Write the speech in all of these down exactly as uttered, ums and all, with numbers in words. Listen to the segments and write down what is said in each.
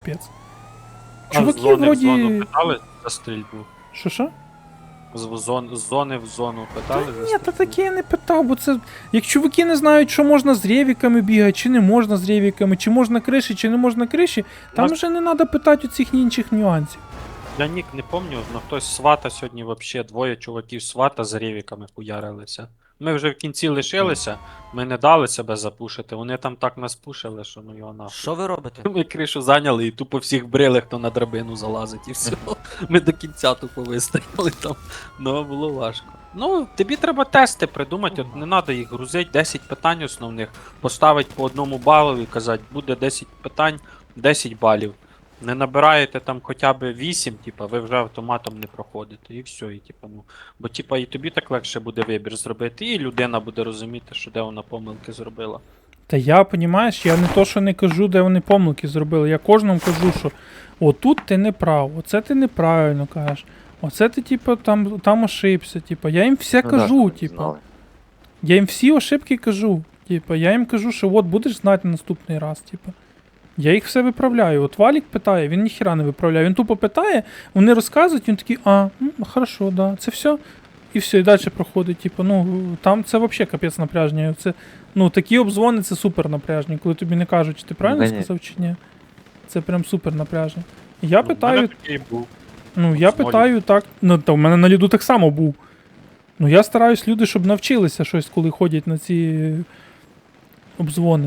Капець. А Чуваки з зони вроді... в зону питали за стрільбу? Що що? З, в зон... з зони в зону питали Та за ні, стрільбу? та таке я не питав, бо це... Як чуваки не знають, що можна з ревіками бігати, чи не можна з ревіками, чи можна криші, чи не можна криші, там Нас- вже не треба питати оцих інших нюансів. Я нік не пам'ятаю, але хтось з свата сьогодні взагалі двоє чуваків з свата з ревіками хуярилися. Ми вже в кінці лишилися, ми не дали себе запушити, вони там так нас пушили, що ну його нахуй. Що ви робите? Ми кришу зайняли і тупо всіх брили, хто на драбину залазить, і все. Ми до кінця тупо вистояли там. Ну, було важко. Ну, тобі треба тести придумати, от не треба їх грузити, десять питань основних, поставити по одному балу і казати, буде десять питань, десять балів. Не набираєте там хоча б вісім, типа, ви вже автоматом не проходите, і все, і типа, ну. Бо типа і тобі так легше буде вибір зробити, і людина буде розуміти, що де вона помилки зробила. Та я, понімаєш, я не то, що не кажу, де вони помилки зробили. Я кожному кажу, що отут ти не прав, оце ти неправильно кажеш. Оце ти, типу, там, там ошибся. Типу. Я їм все кажу, типу. Я їм всі ошибки кажу. Типу, я їм кажу, що от будеш знати на наступний раз, типу. Я їх все виправляю. От Валік питає, він ніхіра не виправляє. Він тупо питає, вони розказують, він такий, а, м, хорошо, да, це все. І все, і далі проходить. Типу, ну, там це взагалі капець напряження. Це, ну, такі обзвони це супер напряжні, коли тобі не кажуть, чи ти правильно Конечно. сказав, чи ні. Це прям супер напряжно. Я Ну, в питаю, мене такий був. ну, я з молі. питаю так, ну, та в мене на ліду так само був. Ну, я стараюсь люди, щоб навчилися щось, коли ходять на ці обзвони.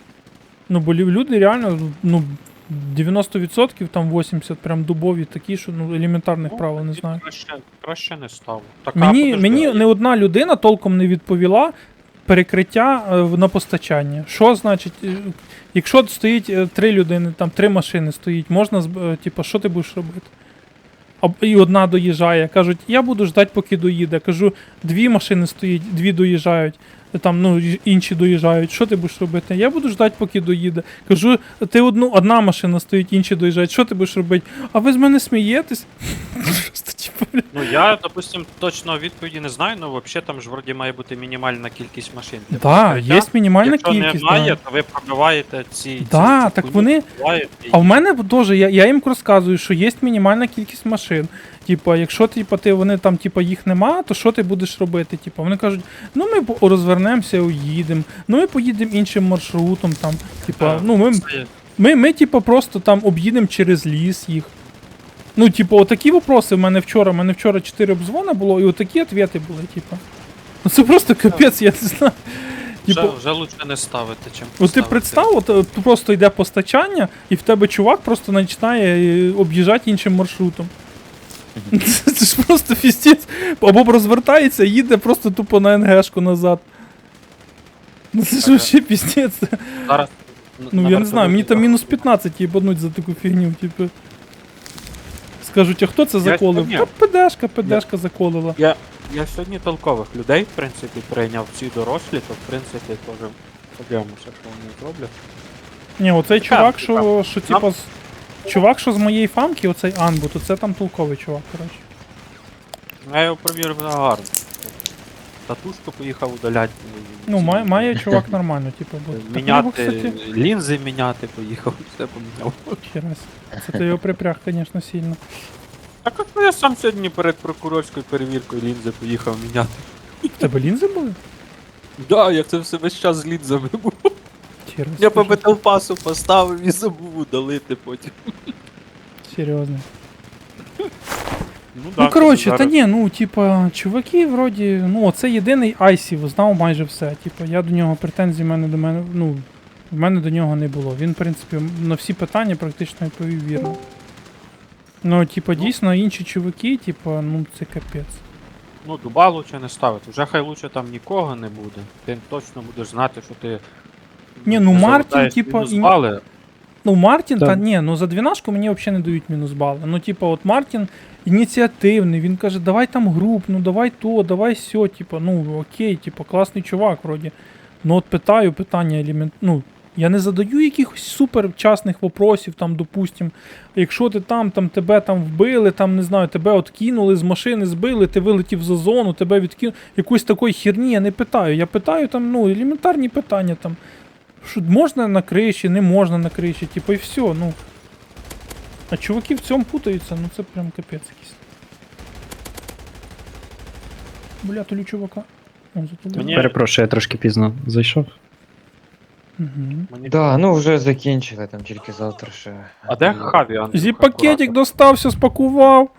Ну, бо лю- люди реально, ну, дев'яносто відсотків, там вісімдесят відсотків прям дубові такі, що ну, елементарних Ну, правил не тоді знаю. Краще, краще не став. Так, а, Мені, подожди, мені а не одна людина толком не відповіла перекриття е, в- на постачання. Що значить, е, якщо стоїть е, три людини, там три машини стоїть, можна, зб- е, типу, що ти будеш робити? А, і одна доїжджає. Кажуть, я буду ждати, поки доїде. Кажу, дві машини стоїть, дві доїжджають. Там, ну, й- інші доїжджають. Що ти будеш робити? Я буду ждати, поки доїде. Кажу, ти одну, одна машина стоїть, інші доїжджають. Що ти будеш робити? А ви з мене смієтесь? Просто, типу, бля. Ну я, допустим, точно відповіді не знаю, але взагалі там ж вроді має бути мінімальна кількість машин. для Да, покриття. є мінімальна Якщо кількість. немає, Да. то ви пробиваєте ці. Да, ці, ці так хуйні, вони- пробиваєте і- А в мене теж, я, я їм розказую, що є мінімальна кількість машин. Типа, якщо типа, ти, вони там типа, їх нема, то що ти будеш робити? Типа, вони кажуть, ну ми по- розвернемося, уїдемо, ну ми поїдемо іншим маршрутом. Там, типа, Е, ну, ми, це- ми, ми типа, просто там об'їдемо через ліс їх. Ну, типу, отакі вопроси в мене вчора. У мене вчора чотири обзвони було, і отакі відповіді були, типа. Ну це просто капець, я не знаю. Вже, Типу, вже лучше не ставити, чим от ти поставити. представ, от е, просто йде постачання, і в тебе чувак просто починає е, об'їжджати іншим маршрутом. Це, це ж просто фістець. Або розвертається, їде просто тупо на НГшку назад. Ну це ж Ага. вообще пістець. Зараз, Ну я не знаю, мені там мінус п'ятнадцять їбануть за таку фігню, типу. Скажуть, а хто це заколив? сьогодні- Та ПДшка, ПДшка заколила. Я, я сьогодні толкових людей, в принципі, прийняв всі дорослі, то в принципі теж подивимося, що вони зроблять. Ні, оцей чувак, Так, що, що типа. з- Чувак, що з моєї фамки, оцей Анбу, то це там толковий чувак, коротше. Я його провірив на гарно. Татушку поїхав удаляти. Ну, має, має чувак нормально, типу, бути. Так у нього, Міняти, кстати, лінзи міняти поїхав, все поміняв. ще раз. Це ти його припряг, звісно, сильно. Так от ну, я сам сьогодні перед прокурорською перевіркою лінзи поїхав міняти. В тебе лінзи були? Да, я це все весь час з лінзами був. Ще раз. Я по скажи. металпасу поставив і забув удалити потім. Серйозно. Ну, Ну, коротше, та ні, ну, типа, чуваки, вроді, ну, це єдиний Айсів, знав майже все. Типа, я до нього претензій в мене до мене, ну, в мене до нього не було. Він, в принципі, на всі питання практично відповів вірно. Ну, типа, Ну. дійсно, інші чуваки, типа, ну, це капець. Ну, дуба лучше не ставити. Вже хай лучше там нікого не буде. Ти точно будеш знати, що ти. Ні, ну, не Мартін, завертаєш типа, мінус і- бали. Ну, Мартін, Так. та ні, ну за двінашку мені взагалі не дають мінус бали. Ну, типа, от Мартін ініціативний, він каже, давай там груп, ну давай то, давай сьо, типа, ну окей, типа, класний чувак, вроді. Ну от питаю питання елемент. Ну, я не задаю якихось супер частних вопросів, там, допустим, якщо ти там, там тебе там вбили, там, не знаю, тебе от кинули з машини, збили, ти вилетів за зону, тебе відкинули. Якоїсь такої херні я не питаю. Я питаю там, ну, елементарні питання там. Що можна на криші, не можна на криші, типу, і все, ну. А чуваки в цьому путаються, ну це прям капець якийсь. Бля, тулю чувака. О, затулив. Мені- Перепрошую, я трошки пізно зайшов. Угу. Мені... Да, ну вже закінчили, там тільки завтра ще. А де Хаві, Андрюха? Зі пакетик достався, спакував,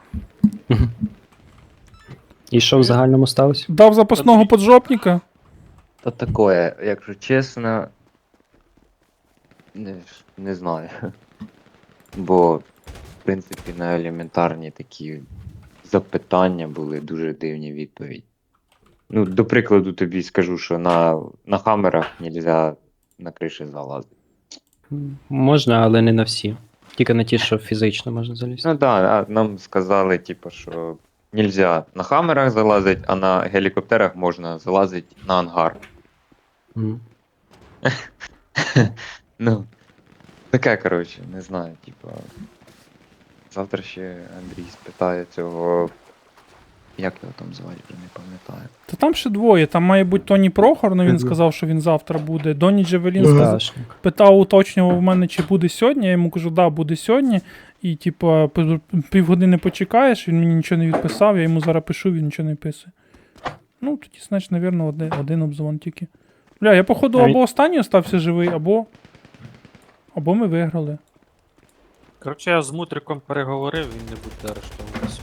І що в загальному сталося? дав запасного поджопника. Та такое, якщо чесно. Не, не знаю. Бо, в принципі, на елементарні такі запитання були дуже дивні відповіді. Ну, до прикладу, тобі скажу, що на, на хамерах нельзя на криші залазити. Можна, але не на всі. Тільки на ті, що фізично можна залізти. Ну так, да, нам сказали, типу, що нельзя на хамерах залазити, а на гелікоптерах можна залазити на ангар. Мгм. Ну, таке, коротше, не знаю, типа. Завтра ще Андрій спитає цього. Як його там звати, вже не пам'ятаю. Та там ще двоє, там має бути Тоні Прохор, ну він Мгм. сказав, що він завтра буде. Доні Джевелін сказав, Гашник. питав, уточнював в мене, чи буде сьогодні. Я йому кажу, да, буде сьогодні. І, типа, п- півгодини почекаєш, він мені нічого не відписав, я йому зараз пишу, він нічого не писує. Ну, тоді, значить, навірно, один, один обзвон тільки. Бля, я, походу, А він- або останній остався живий, або. Або ми виграли. Коротше, я з Мутриком переговорив, він не буде арештований сьогодні.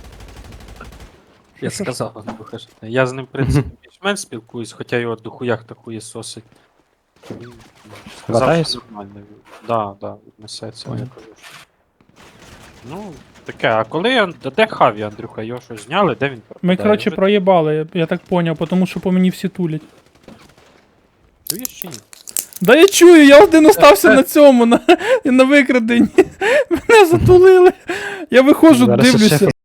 Я Що, що, сказав, Андрюха, що ти- я з ним, в принципі, більш-менш спілкуюсь, хоча його до хуях та хуєсосить. Він сказав, Хватаєш? що нормально. Да, да, віднесеться, я Понял. кажу. що- Ну, таке, а коли я... а де Хаві, Андрюха, його щось зняли, де він пропадає? Ми, коротше, Вже проїбали, я, я так поняв, тому що по мені всі тулять. чуєш чи ні? Да я чую, я один остався на цьому, на, на викраденні. Мене затулили. Я виходжу, Зараз ще дивлюся.